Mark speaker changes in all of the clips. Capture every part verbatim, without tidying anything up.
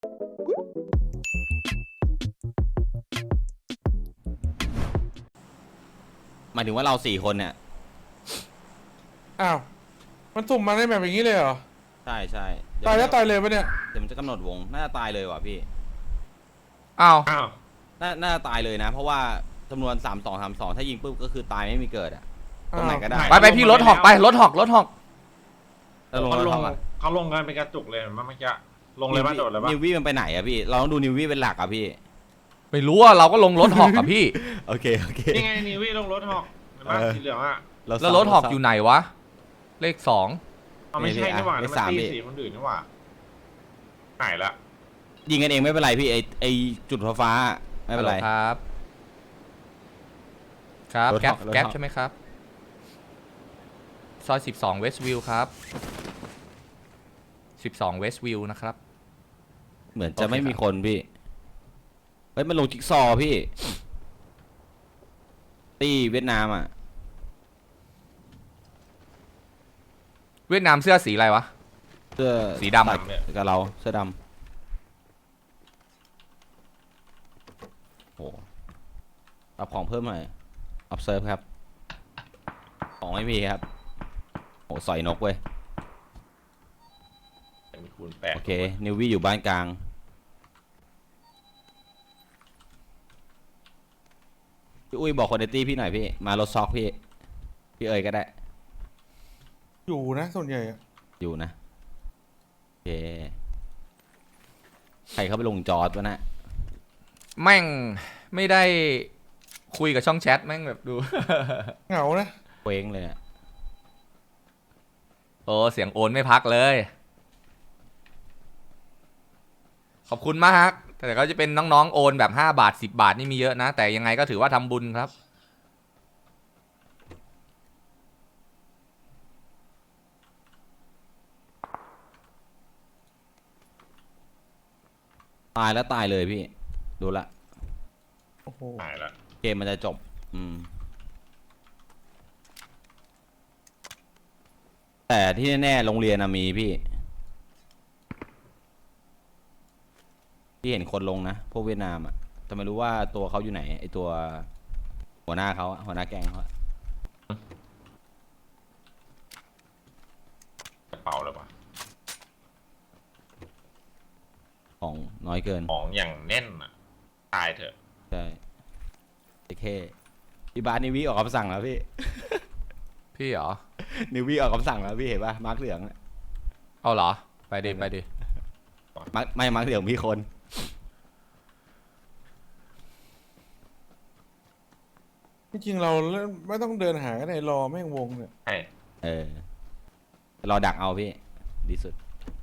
Speaker 1: หมายถึงว่าเราสี่คนเนี่ย
Speaker 2: อ้าวมันสุ่มมาได้แบบอย่างนี้เลยเหรอ
Speaker 1: ใช่ใช่
Speaker 2: ตายแล้วตายเลยปะเนี่ย
Speaker 1: เดี๋ยวมันจะกำหนดวงน่าจะตายเลยว่ะพี่
Speaker 3: อ้าว
Speaker 4: อ้าว
Speaker 1: น่าน่าจะตายเลยนะเพราะว่าจำนวนสามสองสามสองถ้ายิงปุ๊บก็คือตายไม่มีเกิดอะตรงไหนก็ได้
Speaker 3: ไปไปพี่รถหอกไปรถหอกรถหอก
Speaker 1: แล้วลง
Speaker 4: เขา
Speaker 1: รถ
Speaker 4: ล
Speaker 1: หอง กอะ
Speaker 4: เขาลงกันเป็นกระจุกเลยเมื่อกี้ลงเลยป่ะโดดเลยป่ะ
Speaker 1: นิววี่มันไปไหนอะพี่เราต้องดูนิววี่เป็นหลักอะพี่
Speaker 3: ไม่รู้ว่าเราก็ลงรถหอกกับพี่
Speaker 1: โอเคโอเค
Speaker 4: นี่ไงนิวี่ลงรถหอกเห็นป่ะสีเหลืองอ่ะ
Speaker 3: แล้วรถหอกอยู่ไหนวะเลขสอง
Speaker 4: อ๋อไม่ใช่นี่หว่ามันตีสีคนอื่นนี่หว่าหายละ
Speaker 1: ยิงกันเองไม่เป็นไรพี่ไอไอจุดฟ้าไม่เป็นไร
Speaker 3: ครับครับแก๊ปแก๊ปใช่ไหมครับซอยสิบสองเวสต์วิวครับสิบสองเวสต์วิวนะครับ
Speaker 1: เหมือนจะไม่มีคนพี่เฮ้ยมันลงจิ๊กซอพี่ตีเวียดนามอ่ะ
Speaker 3: เวียดนามเสื้อสีอะไรวะ
Speaker 1: เสื้อ
Speaker 3: สีดำ
Speaker 1: กับเราเสื้อดำโอ้รับของเพิ่มหน่อย observe ครับของไม่มีครับโอ้สอยนกเว้ย
Speaker 4: คูณแปด
Speaker 1: โอเคนิววี่อยู่บ้านกลางพี่อุ้ยบอกคนในตี้พี่หน่อยพี่มารถซอกพี่พี่เอ๋ยก็ได้
Speaker 2: อยู่นะส่วนใหญ่
Speaker 1: อยู่นะโอเคใครเข้าไปลงจอร์ดวะนะ
Speaker 3: แม่งไม่ได้คุยกับช่องแชทแม่งแบบดู
Speaker 2: เหงานะ
Speaker 1: เว้งเลยอ่ะ
Speaker 3: โอ้เสียงโอนไม่พักเลยขอบคุณมากแต่ก็จะเป็นน้องๆโอนแบบห้าบาทสิบบาทนี่มีเยอะนะแต่ยังไงก็ถือว่าทำบุญครับ
Speaker 1: ตายแล้วตายเลยพี่ดูละ
Speaker 2: โอ้โห
Speaker 4: หายละ
Speaker 1: เกมมันจะจบอืมแต่ที่แน่ๆโรงเรียนมีพี่ที่เห็นคนลงนะพวกเวียดนามอ่ะแต่ไม่รู้ว่าตัวเขาอยู่ไหนไอตัวหัวหน้าเขาหัวหน้าแก๊งเขา
Speaker 4: กระเป๋าเลยป่ะ
Speaker 1: ของน้อยเกิน
Speaker 4: ของอย่างแน่นอ่ะตายเถอะ
Speaker 1: ใช่โอเคพี่บาสนิววี่ออกคำสั่งแล้วพี่
Speaker 3: พี่เหรอ
Speaker 1: นิววี่ออกคำสั่งแล้วพี่เห็นป่ะมาร์กเหลือง
Speaker 3: เอาเหรอไปดิไปดิ
Speaker 1: มาร์กไม่มาร์กเหลืองพี่คน
Speaker 2: จริงๆเราไม่ต้องเดินหากันในรอแม่งวงเนี่ย
Speaker 4: ใช่
Speaker 1: เออรอดักเอาพี่ดีสุด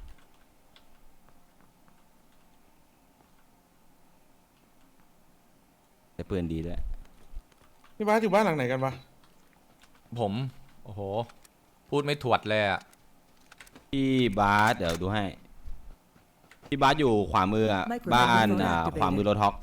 Speaker 1: แต่ปืนดีด้วย
Speaker 2: พี่บ้านอยู่บ้านหลังไหนกันปะ
Speaker 3: ผมโอ้โหพูดไม่ถวดเลยอะ
Speaker 1: พี่บาสเดี๋ยวดูให้พี่บาสอยู่ขวามือบ้านอ่าขวามือรถฮอก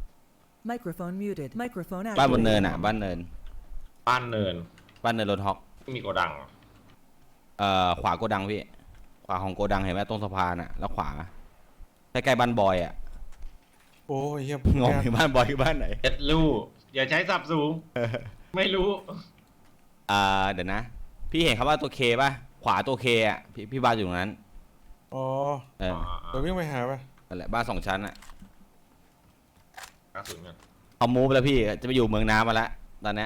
Speaker 1: บ้านบนเนินอ่ะบ้านเนิน
Speaker 4: บ้านเนิน
Speaker 1: บ้านเนินรถฮอก
Speaker 4: มีโกดัง
Speaker 1: เอ่อขวาโกดังพี่ขวาของโกดังเห็นไหมตรงสะพานอ่ะแล้วขวาใกล้ๆบ้านบอยอ่ะ
Speaker 2: โอ้ยเฮีย
Speaker 1: งงบ้านบอยคือบ้านไหน
Speaker 4: เอ็ดลูอย่าใช้สับสูงไม่รู้
Speaker 1: อ่าเดี๋ยวนะพี่เห็นคำว่าตัวเคป่ะขวาตัวเคอ่ะพี่พี่บาสอยู่ตรงนั้น
Speaker 2: อ๋อ
Speaker 1: เออ
Speaker 2: เดี๋ยววิ่งไปหาป่ะ
Speaker 1: นั่นแหละบ้านสองชั้นอ่ะ
Speaker 4: กระสุนกัน
Speaker 1: เอามูฟแล้วพี่จะไปอยู่เมืองน้ำมาแล้วตอนนี้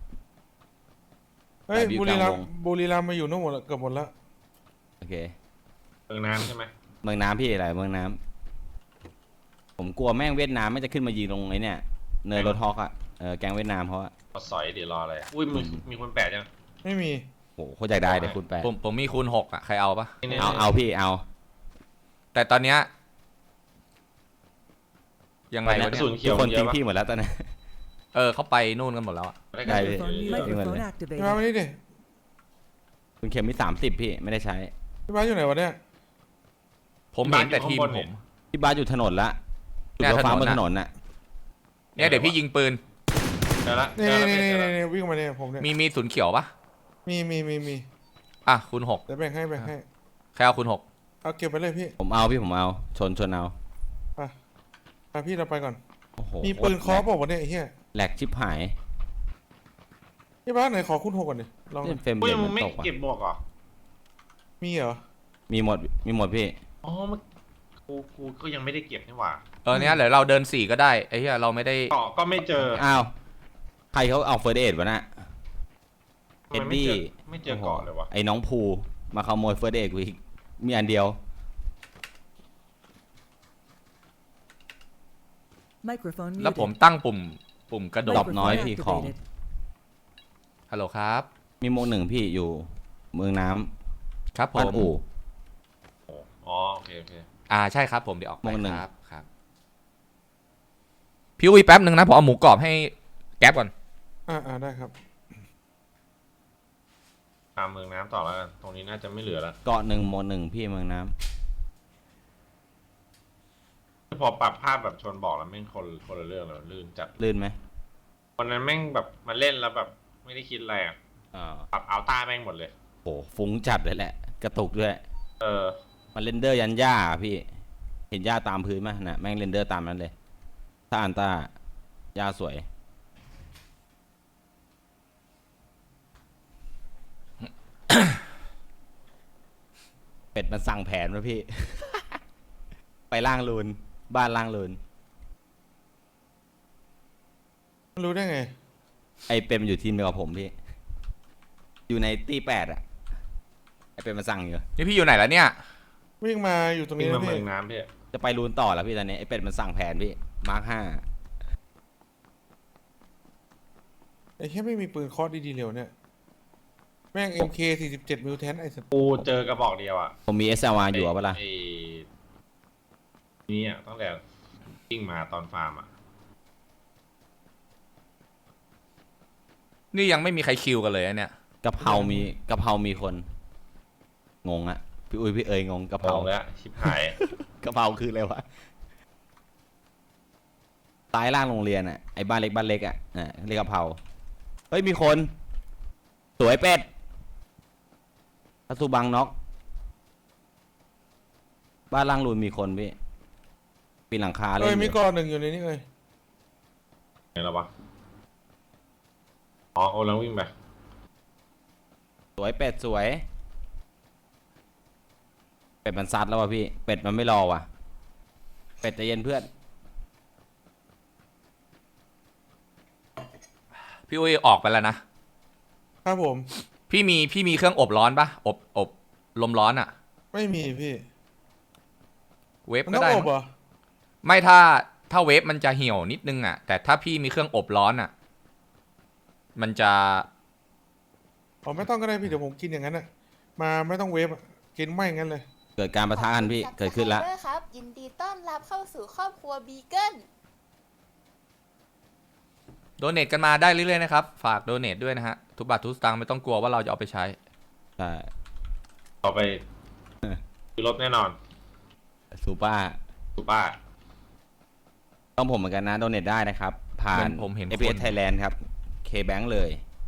Speaker 2: เฮ้ยบุรีรัมย์บุรีรัมย์มาอยู่นู่นหมดเกือบหมดแล้ว
Speaker 1: โอเค
Speaker 4: เมืองน้ำใช่ไหม
Speaker 1: เมืองน้ำพี่อะไรเมืองน้ำผมกลัวแม่งเวียดนามไม่จะขึ้นมายิงตรงไอ้เนี่ยเนินรถฮอกอ่ะเออแกงเวียดนามเพราะว่า
Speaker 4: สอยเดี๋ยวรออะไรอุ้ยมีมีคนแปดยัง
Speaker 2: ไม่มี
Speaker 1: โอ้โหเขาอยากได้เดี๋ยวคุณแปด
Speaker 3: ผมผมมีคูณหกอ่ะใครเอาปะ
Speaker 1: เอาเอาพี่เอา
Speaker 3: แต่ตอนเนี้ยยังไงวะ
Speaker 1: เนี่ยคนทิ้งพี่หมดแล้วตอนนี้
Speaker 3: เออเขาไปนู่นกันหมดแล้วอ่ะ
Speaker 1: ได้เลย
Speaker 2: พี่มาไม่ได้ดิ
Speaker 1: คุณเข็มมีสามสิบพี่ไม่ได้ใช้
Speaker 2: พี่บ้านอยู่ไหนวะเนี่ย
Speaker 3: ผมเห็นแต่ทีมผม
Speaker 1: พี่บ้านอยู่ถนนละจุดรถไฟฟ้าบนถนนน่ะ
Speaker 3: เนี่ยเดี๋ยวพี่ยิงปืน
Speaker 4: เดี๋ยวละ
Speaker 2: นี่นี่นี่วิ่งมาเนี่ยผมเนี่ย
Speaker 3: มีมีศูนย์เขียวปะ
Speaker 2: มีมีมีมี
Speaker 3: อ่ะคูณหก
Speaker 2: เดี๋ยวแบ่งให้แบ่งให้
Speaker 3: ใครเอาคูณหก
Speaker 2: เอาเก็บไปเลยพี่
Speaker 1: ผมเอาพี่ผมเอาชนชนเอา
Speaker 2: ไปไปพี่เราไปก่อน
Speaker 1: โอ้โห
Speaker 2: มีปืนเคอ
Speaker 1: แหลก
Speaker 2: บอกว่าวะเนี่ยไอ้เหี้ย
Speaker 1: แหลกชิบหาย
Speaker 2: พี่บ้านไหนขอคุณหกก่อนดิลองหน่
Speaker 1: เล่
Speaker 2: อน ย
Speaker 1: เฟรม
Speaker 4: กู
Speaker 1: เร
Speaker 4: ยั
Speaker 1: ท
Speaker 4: ง
Speaker 1: มัน
Speaker 4: ไม่
Speaker 1: ตกว่ะ
Speaker 4: เก็บบวกเหรอ
Speaker 2: มีเหรอ
Speaker 1: มีหมดมีหมดพี่
Speaker 4: อ๋อมันกูกูก็ยังไม่ได้เก็บนี่หว่า
Speaker 3: เออเนี้ยเดี๋ยวเราเดินสี่ก็ได้ไอ้เหี้ยเราไม่ได้
Speaker 4: เกาะก็ไม่เจอ
Speaker 1: อ้าวใครเขาเอาเฟิร์สเอดวะน่ะ
Speaker 4: ทำไมไม่เจอไม่เจอเกาะเลยวะ
Speaker 1: ไอ้น้องภูมาขโมยเฟิร์สเอดกูอีกมีอันเดียว
Speaker 5: Microphone
Speaker 3: แล้วผม
Speaker 5: muted.
Speaker 3: ตั้งปุ่มปุ่มกระโด
Speaker 1: ดรอ
Speaker 3: ด
Speaker 1: ปน้อยพี่ของ
Speaker 5: activated.
Speaker 3: ฮัลโหลครับ
Speaker 1: มีโมงหนึ่งพี่อยู่เมืองน้ำ
Speaker 3: ครับผ
Speaker 1: บ้าน
Speaker 3: ม
Speaker 1: อู่
Speaker 4: อ๋อโอเคโอเค
Speaker 3: อ่าใช่ครับผมเดี๋ยวออกไป
Speaker 1: โมงหนึ่ง
Speaker 3: ครับครับพี่อุ้ยแป๊บหนึ่งนะผมเอาหมูกรอบให้แก๊ปก่อน
Speaker 2: อ่าอ่าได้ครับ
Speaker 4: ตามเมืองน้ำต่อแล้วกันตรงนี้น่าจะไม่เหลือแล้ว
Speaker 1: เกาะหนึ่งโมงหนึ่งพี่เมืองน้ำ
Speaker 4: พอปรับภาพแบบชนบอกแล้วแม่งคนคนละเรื่องเลยลื่นจัด
Speaker 1: ลื่นไหม
Speaker 4: วันนั้นแม่งแบบมาเล่นแล้วแบบไม่ได้คิดอะไรอ่ะ
Speaker 1: อ่า
Speaker 4: ปรับเอาต้าแม่งหมดเลย
Speaker 1: โหฟุ้งจัดเลยแหละ กระตุกด้วย
Speaker 4: เออ
Speaker 1: มันเรนเดอร์ยันหญ้าอะพี่ เห็นหญ้าตามพื้นไหมน่ะแม่งเรนเดอร์ตามนั้นเลย ถ้าอันต้าหญ้าสวย เป็ดมันสั่งแผนมาพี่ ไปล่างลูน บ้านล่างลูน
Speaker 2: รู้ได้ไง
Speaker 1: ไอเป็ดมันอยู่ทีมเดียวกับผมพี่ อยู่ในตีแปดอะไอเป็ดมันสั่งอยู่
Speaker 3: นี่พี่อยู่ไหนแล้วเนี่ย
Speaker 2: วิ่งมาอยู่ตรง
Speaker 4: วิ่
Speaker 2: นี้
Speaker 4: ง
Speaker 2: นะ
Speaker 4: มาเมื
Speaker 2: พี่
Speaker 4: องน้ำพี่
Speaker 1: จะไปลูนต่อแล้วพี่ตอนนี้ไอเป็ดมันสั่งแผนพี่ มาร์คห้า
Speaker 2: ไอ้แค่ไม่มีปืนเคอดีๆเร็วเนี่ยแม่ง เอ็ม เค สี่สิบเจ็ดมิลแทนไอ้สัตว์
Speaker 4: กูเจอกระบอกเดียวอ่ะ
Speaker 1: ผมมี เอส แอล อาร์ อยู่เอาปะล่ะ
Speaker 4: ไอ้นี่อ่ะตั้งแต่วิ่งมาตอนฟาร์มอ่ะ
Speaker 3: นี่ยังไม่มีใครคิวกันเลยอะเนี่ย
Speaker 1: กะเพรามีกะเพรามีคน งงอะพี่อุ้ยพี่เอ๋ยงงกะเพ
Speaker 4: ม
Speaker 1: รา
Speaker 4: องแล้วชิบหาย
Speaker 1: กะเพราคืออะไรวะซ้ายล่างโรงเรียนอะไอ้บ้านเล็กบ้านเล็กอะอ่ะเรียกกะเพราเฮ้ยมีคน สวยเป็ดพัสุบังน็อกบ้านล่างรูนมีคนพี่ปีนหลังคาเล่
Speaker 2: เอ้ย
Speaker 1: นอ
Speaker 2: มี
Speaker 1: ยู่
Speaker 2: กอหนึ่งอยู่ในนี้เลย
Speaker 4: ไงแล้ววะอ๋อโอ้แล้ววิ่งไป
Speaker 1: สวยเป็ดสวยเป็ดมันซัดแล้ววะพี่เป็ดมันไม่รอว่ะเป็ดใจเย็นเพื่อน
Speaker 3: พี่อุ้ยออกไปแล้วนะครับ
Speaker 2: ผม
Speaker 3: พี่มีพี่มีเครื่องอบร้อนปะอบอบลมร้อนอะ
Speaker 2: ไม่มีพี่
Speaker 3: เวฟ
Speaker 2: มัน
Speaker 3: ก็
Speaker 2: ต้อง
Speaker 3: ได้
Speaker 2: อบ
Speaker 3: มั้ง
Speaker 2: เหรอ
Speaker 3: ไม่ถ้าถ้าเวฟมันจะเหี่ยวนิดนึงอะแต่ถ้าพี่มีเครื่องอบร้อนอะมันจะ
Speaker 2: อ๋อไม่ต้องก็ได้พี่เดี๋ยวผมกินอย่างนั้นอ่ะมาไม่ต้องเวฟอะกินไม่งั้นเลย
Speaker 1: เกิดการประทะกันพี่เกิดขึ้นแล้ว
Speaker 6: ขอบคุณ Subscriber ครับยินดีต้อนรับเข้าสู่ครอบครัวบีเกิล
Speaker 3: โดเนทกันมาได้เรื่อยๆนะครับ ฝากโดเนทด้วยนะฮะ ทุกบาททุกสตางค์ไม่ต้องกลัวว่าเราจะเอาไปใช้
Speaker 1: ใช่
Speaker 4: เอาไปซื้อรถแน่นอน
Speaker 1: ซูป้า
Speaker 4: ซูป้า
Speaker 1: ต้องผมเหมือนกันนะโดเนทได้นะครับ ผ่าน
Speaker 3: เหมือนผมเห็น
Speaker 1: เอ พี เอส
Speaker 3: คน
Speaker 1: Thailand ครับ K-Bank เลย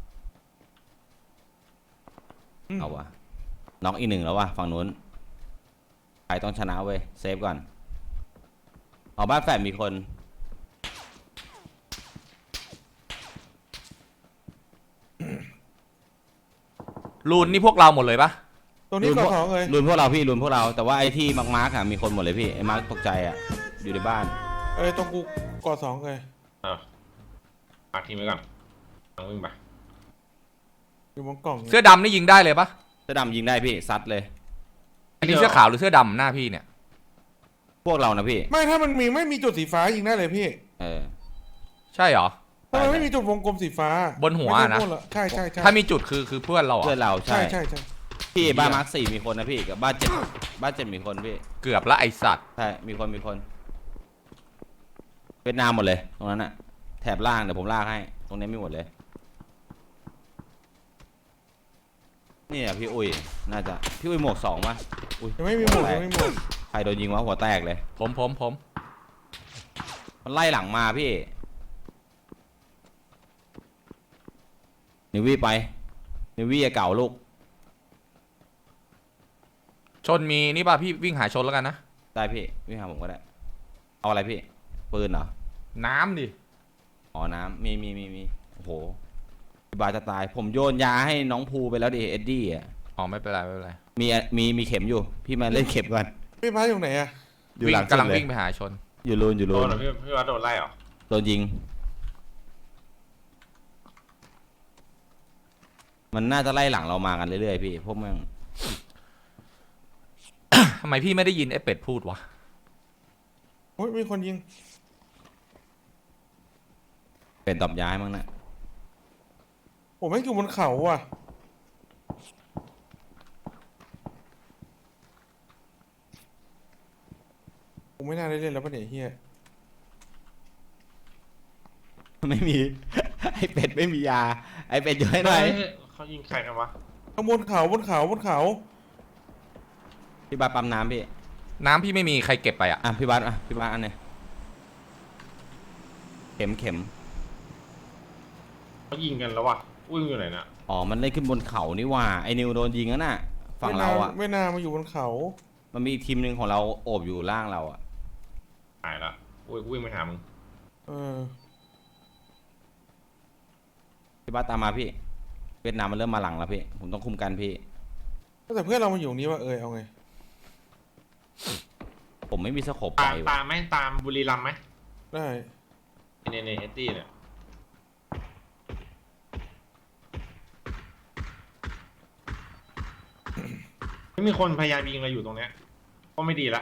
Speaker 2: อืม
Speaker 1: เอาวะน็อกอีกหนึ่งแล้ววะฝั่งนู้นใครต้องชนะเว้ย เซฟก่อนเอาบ้านแฝดมีคน
Speaker 3: รูนนี่พวกเราหมดเลยปะ
Speaker 2: ตรงนี้
Speaker 1: รุน
Speaker 2: ก
Speaker 1: พ
Speaker 2: อ
Speaker 1: วก
Speaker 2: สองเลย
Speaker 1: รุนพวกเราพี่รุนพวกเรา แต่ว่าไอ้ที่มาร์คมาร์คอะมีคนหมดเลยพี่ ไอ้มาร์คตกใจอะอยู่ในบ้าน
Speaker 2: เอ้ยตรงกูกอสองเลย
Speaker 4: อ่ะมาทิ้งไว้ก่อนลองวิ่งไป
Speaker 2: อยู่บนกล่อง
Speaker 3: เสื้อดำนี่ยิงได้เลยปะ
Speaker 1: เสื้อดำยิงได้พี่ ซัดเลย
Speaker 3: อันนี้เสื้อขาวหรือเสื้อดำหน้าพี่เนี่ย
Speaker 1: พวกเรานะพี่
Speaker 2: ไม่ถ้ามันมีไม่มีจุดสีฟ้ายิงได้เลยพี่
Speaker 1: เออ
Speaker 3: ใช่เหรอ
Speaker 2: ทำไมไม่มีจุดวงกลมสีฟ้า
Speaker 3: บนหัว
Speaker 2: ไม่
Speaker 3: นะ
Speaker 2: ใช่พกเราใช่ใช่ใช่
Speaker 3: ถ้ามีจุดคือคือเพื่อนเราเหร
Speaker 1: เพื่อ
Speaker 3: อน
Speaker 1: เรา
Speaker 2: ใช่
Speaker 1: ใช่
Speaker 2: ใช่ใช่
Speaker 1: พี่บ้านมาร์คสี่มีคนนะพี่กับบ้านเจ็ดบ้านเจ็ดมีคนพี่
Speaker 3: เกือบละไอสัตว์
Speaker 1: ใช่มีคนมีคน เวียดนามหมดเลย ตรงนั้นอะแถบล่างเดี๋ยวผมลากให้ ตรงนี้ไม่หมดเลย นี่อะพี่อุ้ยน่าจะพี่อุ้ยหมวกสองปะอุ้ย
Speaker 2: ยังไม่มีหมดยังไม่มีหมด
Speaker 1: ใครโดนยิงวะหัวแตกเลย
Speaker 3: ผมผมผม
Speaker 1: มันไล่หลังมาพี่นิววี่ไปนิววี่เก่าลูก
Speaker 3: ชนมีนี่ป่ะพี่วิ่งหาชนแล้วกันนะ
Speaker 1: ได้พี่วิ่งหาผมก็ได้เอาอะไรพี่ปืนเหรอ
Speaker 3: น้ำดิ
Speaker 1: อ๋อน้ำมีมีมีมีโอ้โหพี่บาสจะตายผมโยนยาให้น้องภูไปแล้วดิเอ็ดดี้อ่ะ
Speaker 3: อ๋อไม่เป็นไรไม่เป็นไร
Speaker 1: มีมีมีเข็มอยู่พี่มาเล่นเข็มก่อน
Speaker 2: พี่พาอยู่ไหนอะ
Speaker 1: อยู่
Speaker 3: วิ่
Speaker 1: ห
Speaker 3: ง
Speaker 1: ลัง
Speaker 3: กำลัง
Speaker 1: สุดเย
Speaker 3: วิ่งไปหาชน
Speaker 1: อยู่รูนอยู่
Speaker 4: โด
Speaker 1: รู
Speaker 4: น
Speaker 1: น
Speaker 4: เหรอพี่พี่วัดโดนไล่เหรอ
Speaker 1: โดนยิง มันน่าจะไล่หลังเรามากันเรื่อยๆพี่พวกแม่ง
Speaker 3: ทำไมพี่ไม่ได้ยินไอ้เป็ดพูดวะ
Speaker 2: โอ้ยมีคนยิง
Speaker 1: เป็นตอบย้ายมั้งนะ
Speaker 2: ผมไม่งอยู่บนเขาว่ะผมไม่น่าได้เล่นแล้วปะเนี่ยเฮีย
Speaker 1: ไม่มี ไอเป็ดไม่มียา ไอเป็ดอยู่ให้หน่อย
Speaker 4: เฮ้ยเขายิงใครกันวะ
Speaker 2: ข้างบนเขาบนเขาบนเขา
Speaker 1: พี่บาสปั๊มน้ำพี่
Speaker 3: น้ำพี่ไม่มีใครเก็บไปอ่ะ
Speaker 1: อ่ะพี่บาสอ่ะพี่บาสอันเนี้ยเข็มเข็ม
Speaker 4: เขายิงกันแล้ววะอุ้ยอยู่ไหนน่ะ
Speaker 1: อ๋อมันเล่นขึ้นบนเขานี่หว่าไอนิวโดนยิงแล้วน่ะฝั่งเราอ่ะ
Speaker 2: ไม่น่ามาอยู่บนเขา
Speaker 1: มันมีอีกทีมหนึ่งของเราโอบอยู่ล่างเราอ่ะ
Speaker 4: หายละอุ้ยวิ่งไปหามึง
Speaker 2: เออ
Speaker 1: พี่บาสตามมาพี่ เวียดนามมันเริ่มมาหลังแล้วพี่ ผมต้องคุมกันพี่
Speaker 2: แต่เพื่อนเรามาอยู่ตรงนี้ว่าเออเอาไง
Speaker 1: ผมไม่มีสโคปไป
Speaker 4: ตาม
Speaker 1: ว่ะ
Speaker 4: ตามไหมตามบุรีรัมย์ไหม
Speaker 2: ได้
Speaker 4: เนเนเฮตตี้เนี่ยไม่มีคนพยายามยิงเราอยู่ตรงเนี้ยก็ไม่ดีละ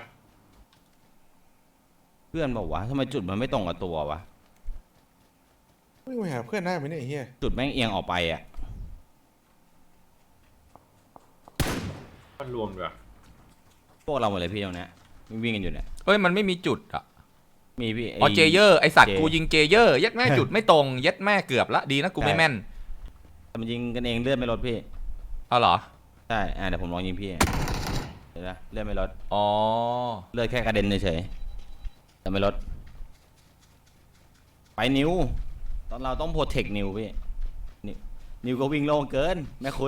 Speaker 1: เพื่อนบอกว่าทำไมจุดมันไม่ตรงกับตัววะ
Speaker 2: วิ่งไปหาเพื่อนได้ไหมเนี่ยไอ้เฮีย
Speaker 1: จุดแม่งเอียงออกไปอ่ะ
Speaker 4: มันรวมด้วย
Speaker 1: พวกเราหมดเลยพี่ตรงเนี้ยวิ่งกันอยู่เนี่ย
Speaker 3: เอ้ยมันไม่มีจุดอ่ะ
Speaker 1: มีพี่
Speaker 3: อ๋อเจเยอร์ไอสัตว์
Speaker 1: เจ
Speaker 3: กูยิงเจเยอร์ยัดแม่จุดไม่ตรงยัดแม่เกือบละดีนะกูไม่แม่น
Speaker 1: แต่มันยิงกันเองเลื่อนไม่ลดพี่
Speaker 3: เอาเหรอ
Speaker 1: ใช่ อ่าเดี๋ยวผมลองยิงพี่เดี๋ยวนะเลื่อนไม่ลด
Speaker 3: อ๋อ
Speaker 1: เลื่อนแค่กระเด็นเฉยๆแต่ไม่ลด ไปนิว ตอนเราต้องโปรเทคนิวพี่ นิวนิวก็วิ่งโล่งเกิน แม่คุณ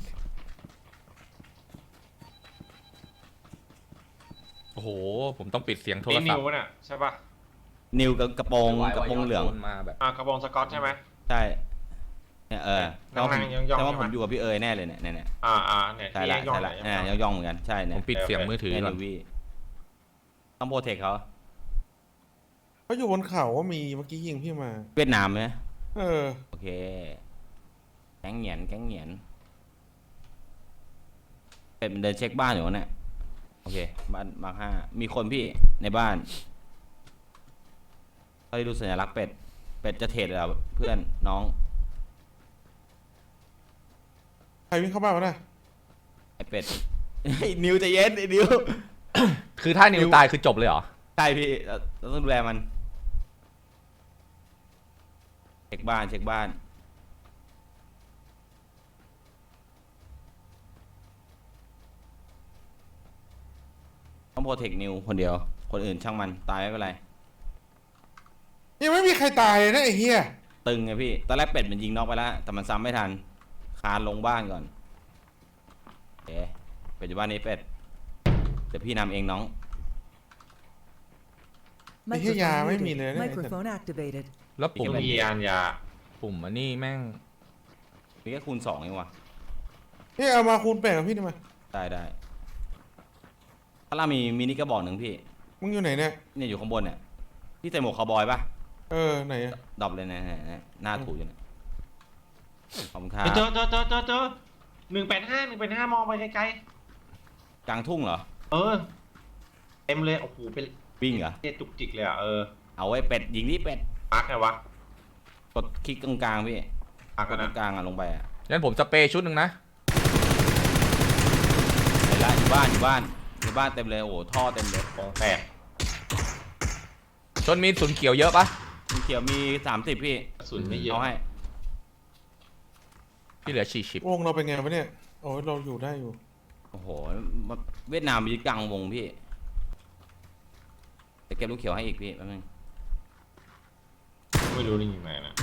Speaker 3: โอ้โหผมต้องปิดเสียงโทร
Speaker 4: นี่
Speaker 3: ศั
Speaker 4: นิ
Speaker 3: พ
Speaker 4: ว
Speaker 3: ท์
Speaker 4: น่ะใช่ปะ
Speaker 1: นิวกับกระโปรงกระโปรงเหลือง
Speaker 3: มาแบบ
Speaker 4: อ่ากระบองสกอตใช่ไหม
Speaker 1: ใช่เนี่ยเออแต่ว่าผม
Speaker 4: นั่งๆย่องๆ
Speaker 1: แต่ว่า
Speaker 4: ใช่
Speaker 1: ผ
Speaker 4: ไหม
Speaker 1: มอยู่กับพี่เอ๋ยแน่เลยเนี่ยเนี่ยเนี่ย
Speaker 4: อ่าอ่าเนี่ย
Speaker 1: ใช่
Speaker 4: ที่
Speaker 1: ละ
Speaker 4: ย่อง
Speaker 1: ใช่
Speaker 4: ๆ
Speaker 1: ละ
Speaker 4: เนี่ย
Speaker 1: เนี่ยย่องๆเหมือนกันใช่
Speaker 3: ผ
Speaker 1: เนี่ย
Speaker 3: มปิดเสียงมือถือ
Speaker 1: เนี่ย
Speaker 3: ก่อน
Speaker 1: นิววี่ต้องโปรเทคเขา
Speaker 2: เขาอยู่บนเขาว่ามีเมื่อกี้ยิงพี่มา
Speaker 1: เวียดนามไหม
Speaker 2: เออ
Speaker 1: โอเค แก๊งเหงียนแก๊งเหงียนเป็นเดินเช็คบ้านอยู่วะเนี่ยโอเคบ้านมาห้ามีคนพี่ในบ้านเขาได้ดูสัญลักษณ์เป็ดเป็ดจะเทรดเหรอเพื่อนน้อง
Speaker 2: ใครวิ่งเข้าบ้านวะน่ะ
Speaker 1: ไอเป็ด ไอ้นิวใจะเย็นไอ้นิว
Speaker 3: คือถ้านิวตายคือจบเลยเหรอ
Speaker 1: ใช่พี่เราเราต้องดูแลมันเช็คบ้านเช็คบ้านต้องโปรเทคนิวคนเดียวคนอื่นช่างมันตายไม่เป็นไร
Speaker 2: ยังไม่มีใครตายเลยนะไอ้เฮีย
Speaker 1: ตึงไงพี่ตอนแรกเป็ดมันยิงน็อกไปแล้วแต่มันซ้ำไม่ทันคานลงบ้านก่อนเอ๊ะเป็ดอยู่บ้านนี้เป็ดเดี๋ยวพี่นำเองน้อง
Speaker 2: ไอ้เฮียยา
Speaker 5: Microphone
Speaker 2: ไม่มี
Speaker 5: muted.
Speaker 2: เลยนะไอ้สัตว์
Speaker 5: Microphone activated.
Speaker 3: แล้วปุ่ม
Speaker 4: มียานยา
Speaker 3: ปุ่มอันนี้แม่ง
Speaker 1: มีแค่คูณสองเองวะ
Speaker 2: นี่เอามาคูณแปดกับพี่นี่มา
Speaker 1: ได้ได้ถ้าเรามีมินิกระบอกหนึ่งพี่
Speaker 2: มึงอยู่ไหนเนี่ย
Speaker 1: เนี่ยอยู่ข้างบนเนี่ยพี่ใส่หมวกคาวบอยปะ
Speaker 2: เออไหนอะ
Speaker 1: ดรอปเลยนะนะนะหน้าถูอยู่เนี่ยขอบคุณครั
Speaker 4: เจอ
Speaker 1: บ
Speaker 4: เจอเจอเจอเจอหนึ่งแปดห้าหนึ่งแปดห้ามองไปไกล
Speaker 1: กลางทุ่งเหรอ
Speaker 4: ๆเออเต็มเลยโอ้โหเป็น
Speaker 1: วิ่งเหรอ
Speaker 4: เจจุกจิกเลยอ่ะเออ
Speaker 1: เอาไว้เป็ดยิงนี่เป็ด
Speaker 4: มาร์กไงวะ
Speaker 1: กดคลิกตรงกลางพี่
Speaker 4: มาร์ก
Speaker 1: ก
Speaker 4: กั
Speaker 1: ด
Speaker 4: น
Speaker 1: ตร
Speaker 4: นะ
Speaker 1: งกลางอ่ะลงไปอ่ะ
Speaker 3: งั้นผมสเปรย์ชุดหนึ่งนะ
Speaker 1: เห็นละอยู่บ้านอยู่บ้านอยู่บ้านเต็มเลยโอ้โหท่อเต็มเลย
Speaker 4: กองแตก
Speaker 3: ชนมีศูนย์เขียวเยอะปะ
Speaker 1: มีเขียวมีสามสิบพี่
Speaker 4: กระสุนไม่เยอะ
Speaker 1: เอาให้
Speaker 3: พี่เหลือสี่สิบ
Speaker 2: วงเราเป็นไงวะเนี่ยโอ้ยเราอยู่ได้อยู่
Speaker 1: โอ้โหเวียดนามมีกลางวงพี่จะเก็บลูกเขียวให้อีกพี่แป๊บนึง
Speaker 4: ไม่รู้นี่ยิงไหนนะ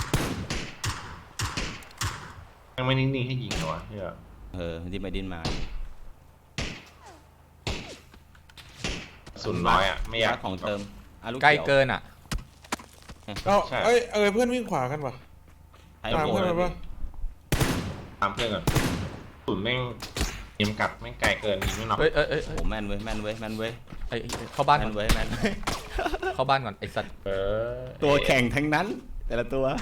Speaker 4: ยังไม่นิ่งๆให้ยิงเหรอวะเฮีย
Speaker 1: เออที่ไปดิ้นมา
Speaker 4: กระสุนน้อยอ่ะไม่อยาก
Speaker 1: ของเติมอ่ะลูก
Speaker 3: ใกล้
Speaker 1: เขียว
Speaker 3: เกินอ่ะ
Speaker 2: เอาเอ้ยเอ้ยเพื่อนวิ่งขวากันวะ
Speaker 1: ใช้
Speaker 2: ตาม
Speaker 1: โก
Speaker 2: เพื่อน
Speaker 1: น
Speaker 2: มาปะ
Speaker 4: ตามเพื่อนก่อนศูนย์แม่งยิงกัดแม่งไกลเกินยิงไม่น็อก
Speaker 3: เอ้ยเอ้ยเอ้ย
Speaker 1: โอ้โหแม่นเว้ยแม่นเว้ยแม่นเว้ย
Speaker 3: เอ้ยเอ้ยเข้าบ้าน
Speaker 1: แม่
Speaker 3: ก่อน
Speaker 1: นเว้ยแม่นเว้ย
Speaker 3: เข้าบ้านก่อนไอ้สัตว์
Speaker 4: เออ
Speaker 1: ตัวแข่งทั้งนั้น แต่ละตัว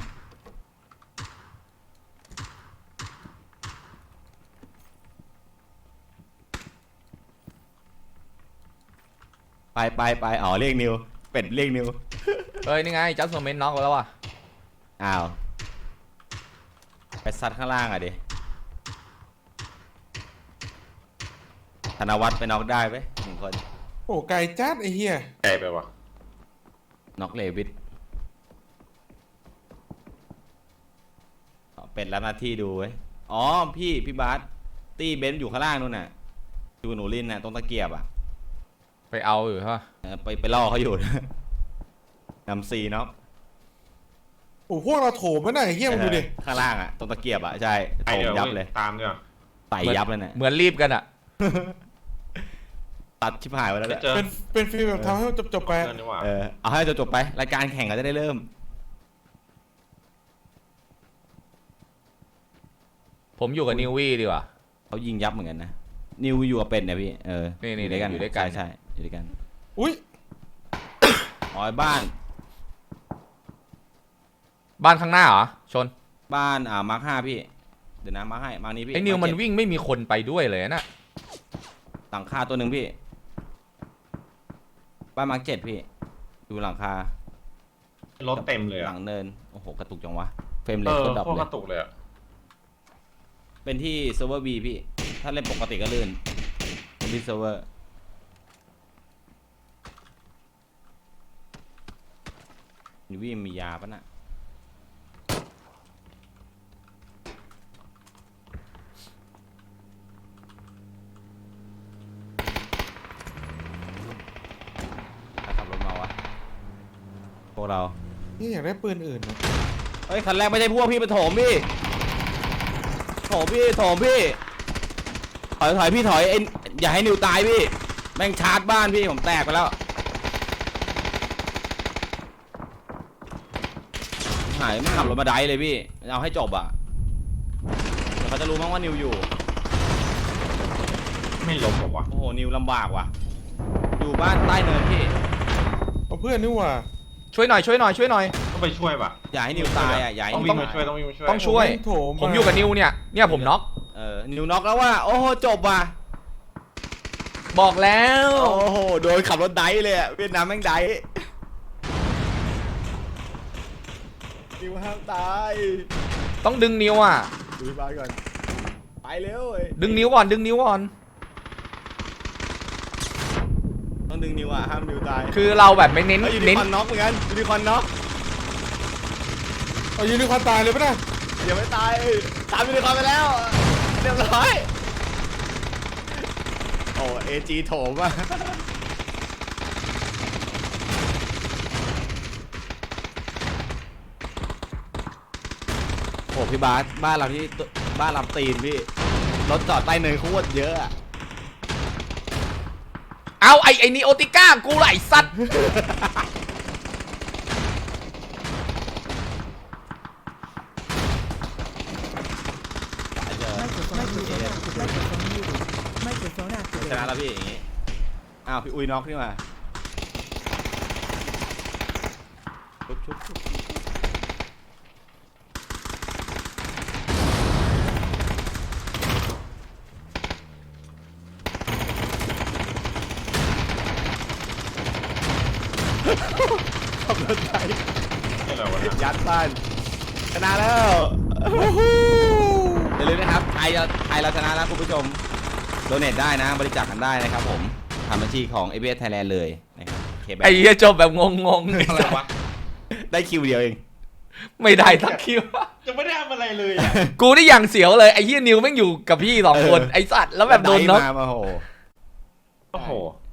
Speaker 1: ไปไปไปอ๋อเรียกนิวเป็ดเรียกนิว
Speaker 3: เอ้ยนี่ไงจัสโซเมนน็อกแล้วว่ะ
Speaker 1: อ้าวไปซัดข้างล่างอ่ะดิธนวัฒน์ไปน็อกได้ไหมหนึ่งคน
Speaker 2: โอ้ไก่จัดไอ้เหี้ย
Speaker 4: ไกลไปวะ
Speaker 1: น็อกเลวิทอ๋อเป็นรับหน้าที่ดูไว้ยอ๋อพี่พี่บาสตี้เบนซ์อยู่ข้างล่างนู่นน่ะดูหนูลินน่ะตรงตะเกียบอ่ะ
Speaker 3: ไปเอาอยู่ใช่ปะ
Speaker 1: เออไปไปล่อเขาอยู่ นะนำซีเนาะ
Speaker 2: โอ้พวกเราโถมไม่ได้ไอ้เหี้ยมึงดูดิ
Speaker 1: ข้างล่างอ่ะตรงตะเกียบอ่ะใช่
Speaker 4: ไอ
Speaker 1: โถม
Speaker 4: เดี๋ยว
Speaker 1: ยับ
Speaker 4: ว้
Speaker 1: เลย
Speaker 4: ตามเดี๋ยว
Speaker 1: ใส่ยับเลยเนี่ย
Speaker 3: เหมือนรีบกันอ่ะ
Speaker 1: ตัดชิบหายไปแล้ว
Speaker 4: ไป
Speaker 1: เนี่ย
Speaker 4: เจอ
Speaker 2: เป็นเป็นฟีลแบบทำให้มันจบๆไป
Speaker 4: เพื่อนดีกว่า
Speaker 1: เออเอาให้จบๆไปรายการแข่งก็จะได้เริ่ม
Speaker 3: ผมอยู่กับนิววี่ดีกว่า
Speaker 1: เขายิงยับเหมือนกันนะนิวอยู่กับเป็ดเนี่ยพี่เออ
Speaker 3: นี่นี่
Speaker 1: อยู่ด้วยกัน
Speaker 3: อยู่ด้วยกัน
Speaker 1: ใช่ใช่อยู่ด้วยกัน
Speaker 2: อุ้ย
Speaker 1: อ๋อบ้าน
Speaker 3: บ้านข้างหน้าเหรอชน
Speaker 1: บ้านอ่ามาร์คห้าพี่เดี๋ยวนะมาร์คให้มาร์คนี้พี่
Speaker 3: ไอ้นิวมัน
Speaker 1: าร์คเจ็ด
Speaker 3: วิ่งไม่มีคนไปด้วยเลยนะ
Speaker 1: หลังคาตัวหนึ่งพี่บ้านมาร์คเจ็ดพี่ดูหลังคาร
Speaker 4: ถเต็มเลย
Speaker 1: หลั
Speaker 4: อะ
Speaker 1: งเนินโอ้โหกระตุกจังวะเฟรมเร
Speaker 4: เอ
Speaker 1: ท
Speaker 4: อ
Speaker 1: ก็ดรอป
Speaker 4: พวก
Speaker 1: เล
Speaker 4: ก
Speaker 1: ย
Speaker 4: ระตุกเลยอะ
Speaker 1: เป็นที่เซิร์ฟเวอร์บีพี่ถ้าเล่นปกติก็ลื่นเป็นที่เซิร์ฟเวอร์นิวี่มียาปะน่ะใครขับรถมาวะพวกเรา
Speaker 2: นี่อยากได้ปืนอื่นนะ
Speaker 1: เฮ้ยคันแรกไม่ใช่พวกพี่ไปโถมพี่โถมพี่โถมพี่ถอยถอยพี่ถอยไอ้อย่าให้นิวตายพี่แม่งชาร์จบ้านพี่ผมแตกไปแล้วหายไม่ขับรถมาไดเลยพี่เอาให้จบอ่ะเดี๋ยวเขาจะรู้มั้งว่านิวอยู่
Speaker 4: ไม่ล้มหรอวะ
Speaker 1: โอ้โหนิวลำบากว่ะอยู่บ้านใต้เนินพี่
Speaker 2: เอาเพื่อนนี่หว่า
Speaker 3: ช่วยหน่อยช่วยหน่อยช่วยหน่อย
Speaker 4: ต้องไปช่วยปะ
Speaker 1: อย่าให้นิวตายอ่ะอย่าให้
Speaker 4: ต้อง
Speaker 1: นิ
Speaker 4: วิ่
Speaker 1: ว
Speaker 4: งมาช่วย
Speaker 1: ตาย
Speaker 4: ต้องวิ่งมาช่วย
Speaker 3: ต้องช่วย
Speaker 2: แม่งโถม
Speaker 3: ผมอยู่กับนิวเนี่ยเนี่ยผมน็อก
Speaker 1: เออนิวน็อกแล้วว่าโอ้โหจบว่ะ
Speaker 3: บอกแล้ว
Speaker 1: โอ้โหโดนขับรถไดเลยอ่ะเวียดนามแม่งไดนิวห้ามตาย
Speaker 3: ต้องดึงนิวอ่ะ
Speaker 1: ดูบ้านก่อนไปเร็วเว้ย
Speaker 3: ดึงนิวก่อนดึงนิวก่อน
Speaker 1: ต้องดึงนิวอ่ะห้ามนิวตาย
Speaker 3: คือเราแบบไม่เน้น
Speaker 1: เฮ้ยยูนิ
Speaker 3: เน้น
Speaker 1: คอร์นน็อกเหมือนกันยูนิคอร์นน็อก
Speaker 2: เอายูนิคอร์นตายเลยปะเนี่ย
Speaker 1: อย่าไม่ตายตามยูนิคอร์นไปแล้วเรียบร้อยโอ้เอจีโถมอ่ะโอ้พี่บาสบ้านเราที่บ้านลำตีนพี่รถจอดใต้เนินโคตรเยอะอะ
Speaker 3: เอาไอ้ไอ้นีโอติก้ากูไหลสัตว์
Speaker 1: สายเจอ
Speaker 5: Microphone muted. Microphone muted. Microphone
Speaker 1: ชนะ
Speaker 5: activated.
Speaker 1: แล้วพี่อย่างงี้อ้าวพี่อุ้ยน็อกนี่มาชุบชุบชุบขับรถไป
Speaker 4: นี่อะไรวะเนี่ย
Speaker 1: ยัดบ้านชนะแล้วอย่าลืมนะครับไทยเราไทยเราชนะแล้วคุณผู้ชมโดเนทได้นะบริจาคกันได้นะครับผมทำบัญชีของ เอ บี เอส Thailand เลยนะครับเคแบงค์
Speaker 3: ไอ้เหี้ยจบแบบงงๆ
Speaker 4: อะไรวะ
Speaker 1: ได้คิวเดียวเอง
Speaker 3: ไม่ได้สักคิว
Speaker 4: จะไม่ได้ทำอะไรเลยอะ
Speaker 3: กูได้อย่างเสียวเลยไอ้เหี้ยนิวแม่งอยู่กับพี่สองคน
Speaker 1: เออ
Speaker 3: ไอ้สัตว์แล้วแบบโดนน็อก
Speaker 1: ได้มาโอ้โห
Speaker 4: โอ้โห